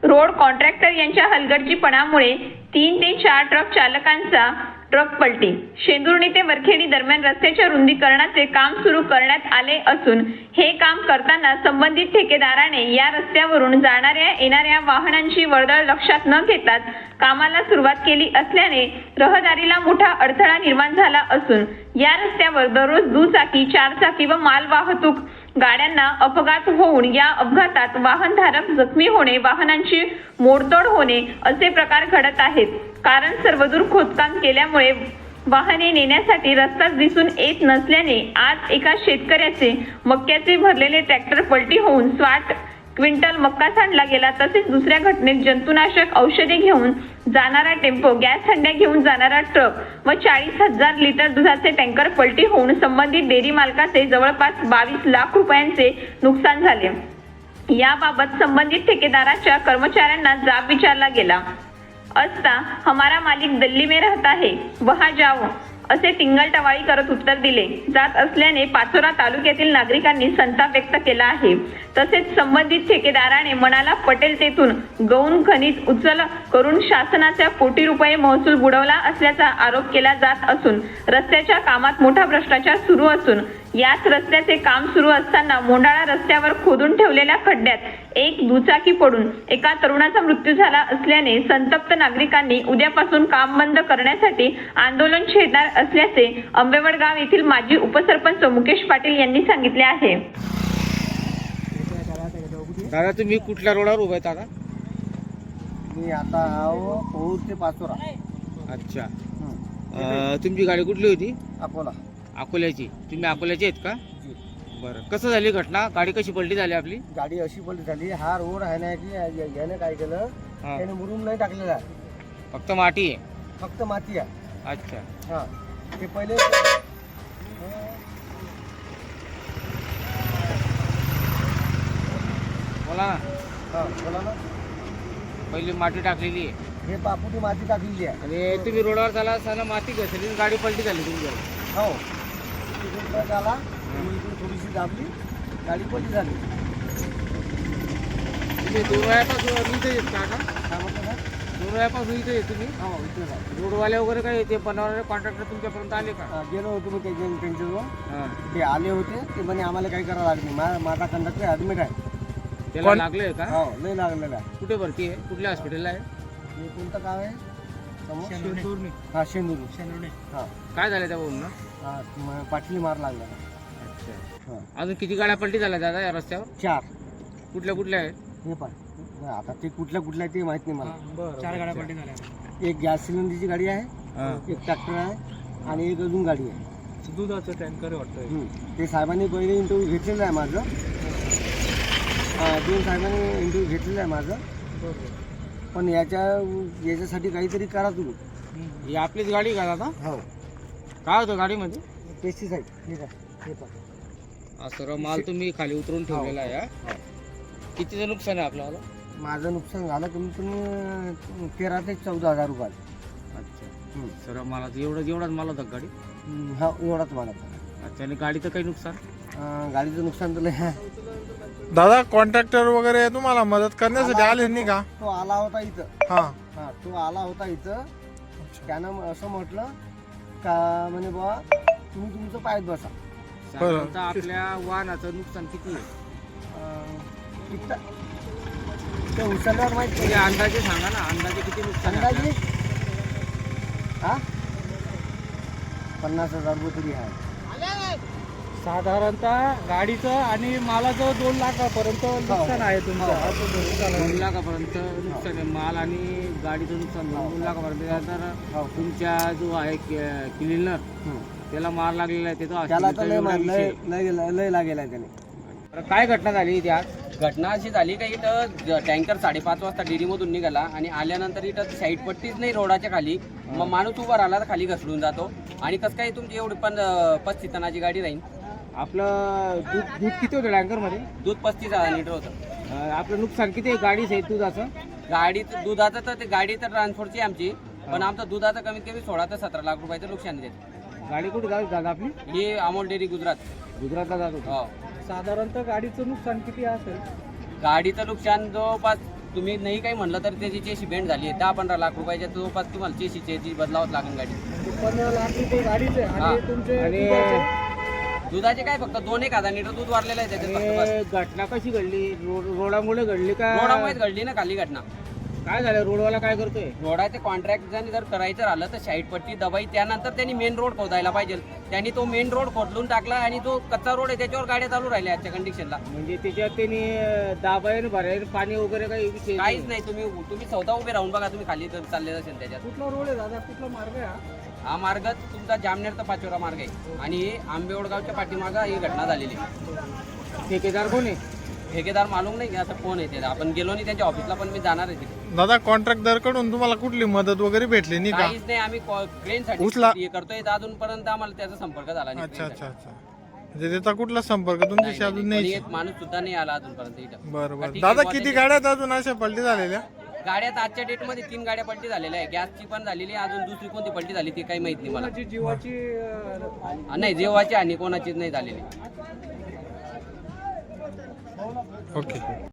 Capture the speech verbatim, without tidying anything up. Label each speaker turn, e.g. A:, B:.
A: Road contractor यांच्या हलगर्जीपणामुळे तीन ते चार ट्रक चालकांचा ट्रक पलटी। शेंदुर्णी ते वरखेडी दरम्यान रस्त्याच्या रुंदीकरणाचे काम सुरू करण्यात आले असून हे काम करताना संबंधित ठेकेदाराने या रस्त्यावरून जाणाऱ्या येणाऱ्या वाहनांची वर्दळ लक्षात न घेताच कामाला सुरुवात केली असल्याने रहदारीला मोठा अडथळा निर्माण झाला असून या रस्त्यावर दररोज दुचाकी, चारचाकी व माल वाहतूक गाड्यांना अपघात होऊन या अपघातात वाहनधारक जखमी होणे, वाहनांची मोडतोड होणे असे प्रकार घडत आहेत। कारण सर्वदूर खोदकाम केल्यामुळे वाहने नेण्यासाठी रस्ताच दिसून येत नसल्याने आज एका शेतकऱ्याचे मक्याचे भरलेले ट्रॅक्टर पलटी होऊन साठ क्विंटल मक्का सांडला गेला। तसेच दुसऱ्या घटनेत जंतुनाशक औषधे घेऊन जाणारा टेम्पो, गॅस हंड्या घेऊन जाणारा ट्रक व चाळीस हजार लिटर दुधाचे टँकर पलटी होऊन संबंधित डेअरी मालकाचे जवळपास बावीस लाख रुपयांचे नुकसान झाले। याबाबत संबंधित ठेकेदाराच्या कर्मचाऱ्यांना जाब विचारला गेला असता हमारा मालिक दिल्ली में रहता है, वहां जाओ असे टिंगल टवाळी करत उत्तर दिले जात असल्याने पाचोरा तालुक्यातील नागरिकांनी संताप व्यक्त केला आहे। तसेच संबंधित ठेकेदाराने मनाला पटेल तेथून गौण खनिज उचल करून शासनाच्या कोटी रुपये महसूल बुडवला असल्याचा आरोप केला जात असून रस्त्याच्या कामात मोठा भ्रष्टाचार सुरू असून याच रस्त्याचे काम सुरू असताना मोंडाळा रस्त्यावर खोदून ठेवलेल्या खड्ड्यात एक दुचाकी पडून एका तरुणाचा मृत्यू झाला असल्याने संतप्त नागरिकांनी उद्यापासून काम बंद करण्यासाठी आंदोलन छेडणार असल्याचे आंबेवडगाव येथील माजी उपसरपंच मुकेश पाटील यांनी सांगितले आहे।
B: दादा तुम्ही कुठल्या रोडावर उभे आहेत दादा?
C: मी आता आहो पौर ते पाचोरा।
B: अच्छा, अं, तुमची गाडी कुठली होती?
C: अकोला।
B: अकोल्याची? तुम्ही अकोल्याचे आहेत का? बरं, कसं झाली घटना? गाडी कशी पलटी झाली आपली?
C: गाडी अशी पलटी झाली, हा रोड आहे ना की या- याने काय केलं, त्याने मुरुम नाही टाकलेला आहे,
B: फक्त माती आहे?
C: फक्त माती आहे।
B: अच्छा,
C: हा, ते पहिले
B: बोला ना।
C: हा बोला ना।
B: पहिली माती टाकलेली आहे
C: हे बापूची माती टाकलेली आहे
B: आणि तुम्ही रोडावर चाला असताना माती घसरली आणि गाडी पलटी झाली तुमची?
C: हो, तिथून ट्रक आला, मी इकडून थोडीशी दाबली, गाडी पलटी झाली।
B: तुम्ही दोन वेळापासून इथे येत का आता?
C: काय म्हटलं ना?
B: दोन वेळापासून इथे येत तुम्ही?
C: हो, इथेच आहे।
B: रोडवाले वगैरे काय ते बनवणारे कॉन्ट्रॅक्टर तुमच्यापर्यंत आले का?
C: हा, गेलो होतो मी त्यांच्या त्यांच्याजवळ,
B: हां,
C: ते आले होते, ते म्हणे आम्हाला काही करावं लागलं नाही, मा- माझा कंडक्टर ॲडमिट आहे।
B: त्याला लागलंय का?
C: हो, नाही लागलेला आहे।
B: कुठे भरती आहे? कुठल्या हॉस्पिटलला आहे?
C: हे कोणतं गाव आहे? समोर?
B: शेंदुर्णी.
C: हा, शेंदुर्णी। हा,
B: काय झालं त्या बोलणं?
C: हा, म- पाटली मार लागला।
B: अच्छा,
C: हा,
B: अजून किती गाड्या पलटी झाल्या दादा या रस्त्यावर?
C: चार।
B: कुठल्या कुठल्या आहेत?
C: हे पाय, आता ते कुठल्या कुठल्या ते माहित नाही मला।
B: चार गाड्या पलटी झाल्या.
C: एक गॅस सिलेंडरची गाडी आहे,
B: हां,
C: एक ट्रॅक्टर आहे आणि एक अजून गाडी आहे।
B: दुधाचं टँकर वाटतं.
C: हम्म. ते साहेबांनी पहिले इंटरव्ह्यू घेतलेलं आहे माझं, हा, दोन साहेबांनी इंटरव्ह्यू घेतलेलं आहे माझं, पण याच्या याच्यासाठी काहीतरी करा तुम्ही।
B: ही आपलीच गाडी का दादा?
C: हो,
B: काय होतं गाडीमध्ये?
C: पेस्टिसाईड। ठीक आहे, हे पाय,
B: हा सर्व माल तुम्ही खाली उतरून ठेवलेला आहे हा?
C: हो.
B: कितीचं नुकसान आहे आपल्याला?
C: माझं नुकसान झालं कमीत कमी तेरा ते चौदा हजार रुपये।
B: अच्छा,
C: हम्म.
B: सर्व मालाचं एवढं एवढाच माल होता गाडी?
C: हम्म, हा, एवढाच मला।
B: अच्छा, आणि गाडीचं काही नुकसान?
C: अं, गाडीचं नुकसान तर लय आहे।
D: दादा कॉन्ट्रॅक्टर वगैरे तुम्हाला मदत करण्यासाठी आले नाही का?
C: तो आला होता इथं।
D: हा,
C: हा, तो आला होता इथं, त्यानं असं म्हटलं का म्हणे बाबा तुम्ही तुमचं पायात बसा।
B: साधारणतः आपल्या वाहनाचं नुकसान किती आहे?
C: अं, इथं ते उचलल्यावर माहित
B: म्हणजे अंदाजे सांगा ना, अंदाजे किती नुकसान आहे
C: अंदाजे हा पन्नास हजार रुपये तरी आहे।
B: साधारणतः गाडीचं आणि मालाचं दोन लाखापर्यंत नुकसान आहे तुमचं? दोन लाखापर्यंत नुकसान आहे माल आणि गाडीचं नुकसान दोन लाखापर्यंत। तर
C: हो,
B: तुमच्या जो आहे क्लिनर
C: हम्म.
B: त्याला मार लागलेला आहे त्याचा
C: त्याला तर लय
B: हॉस्पिटलचा
C: लय
B: विषय.
C: लय लय लागेल आहे त्याने।
B: बरं, काय घटना झाली इथे आज?
E: घटना अशी झाली का इथं टँकर साडेपाच वाजता डेअरीमधून निघाला आणि आल्यानंतर इथं साईड पट्टीच नाही रोडाच्या खाली, मग माणूस उभा राहिला तर खाली घसरून जातो। आणि कसं काय तुमची एवढी पण पस्तीस टनाची गाडी राहील?
B: आपलं दूध दूध किती होतं टँकरमध्ये?
E: दूध पस्तीस हजार लिटर होतं।
B: अं, आपलं नुकसान किती आहे गाडीचं आहे दुधाचं?
E: गाडीचं दुधाचं तर ते गाडी तर ट्रान्सपोर्टची आमची, पण आमचं दुधाचं कमीत कमी सोळा ते सतरा लाख रुपयाचं नुकसान देत।
B: गाडी कुठे जात दादा आपली?
E: ही अमोल डेअरी गुजरात।
B: गुजरातला जात होती?
E: हो,
B: साधारणतः गाडीचं नुकसान किती असेल?
E: गाडीचं नुकसान जवळपास तुम्ही नाही काही म्हणलं तर त्याची चेशी बेंड झाली आहे, दहा पंधरा लाख रुपयाच्या जवळपास तुम्हाला चेशी चेची बदलावच लागेल गाडी.
B: पंधरा लाख रुपये गाडीचे
E: हा.
B: आणि तुमचे
C: आणि
B: दुधाचे?
E: दुधाचे काय फक्त दोन एक हजार लिटर दूध वाढलेलं आहे त्याच्यात फक्त बस.
B: आणि घटना कशी घडली? रोड रोडामुळे घडली का?
E: रोडामुळेच घडली ना खाली घटना.
B: काय झालं? रोडवाला काय करतोय?
E: रोडाचे कॉन्ट्रॅक्ट जर करायचं राहिलं तर साईड पट्टी दबाई, त्यानंतर त्यांनी मेन रोड खोदायला पाहिजे. त्यांनी तो मेन रोड खोदलून टाकला आणि जो कच्चा रोड आहे त्याच्यावर गाड्या चालू राहिल्या आजच्या कंडिशनला.
B: म्हणजे त्याच्यात त्यांनी दाबायन भरायन पाणी वगैरे काही विषय
E: काहीच नाही. तुम्ही तुम्ही चौदा उभे राहून बघा, तुम्ही खाली जर चालले असेल त्याच्यात.
B: कुठला रोड आहे दादा? कुठला मार्ग आहे हा?
E: हा मार्ग तुमचा जामनेरचा पाचोरा मार्ग आहे आणि आंबेवडगावच्या पाठीमागं ही घटना झालेली आहे.
B: ठेकेदार कोण आहे?
E: ठेकेदार मालूम नाही की आता कोण आहे ते. आपण गेलो नाही त्यांच्या ऑफिसला, पण मी जाणार आहे तिथे.
D: दादा कॉन्ट्रॅक्टर कडून तुम्हाला कुठली मदत वगैरे भेटली नाही का?
E: काहीच नाही. आम्ही क्रेन साठी
D: उचला.
E: हे करतोय तर अजूनपर्यंत आम्हाला त्याचा संपर्क झाला नाही.
D: अच्छा
E: crane
D: अच्छा
E: साठी.
D: अच्छा म्हणजे त्याचा कुठला संपर्क
E: नाही,
D: तुमच्याशी
E: नाही,
D: अजून
E: कोणी
D: नाही?
E: एक माणूस सुद्धा नाही आला अजूनपर्यंत इथं.
D: बरं बरं
E: ठीक आहे,
D: दादा
E: बुवा,
D: किती
E: त्यांचे-
D: गाड्या आहेत अजून अशा पलटी झालेल्या?
E: गाड्यात आजच्या डेट मध्ये तीन गाड्या पलटी झालेल्या आहे. गॅसची पण झालेली आहे, अजून दुसरी कोणती पलटी झाली ती काही माहित नाही मला.
B: कोणाची जीवाची अं,
E: हा, नाही जेव्हाची आणि कोणाचीच नाही झालेली.
D: ओके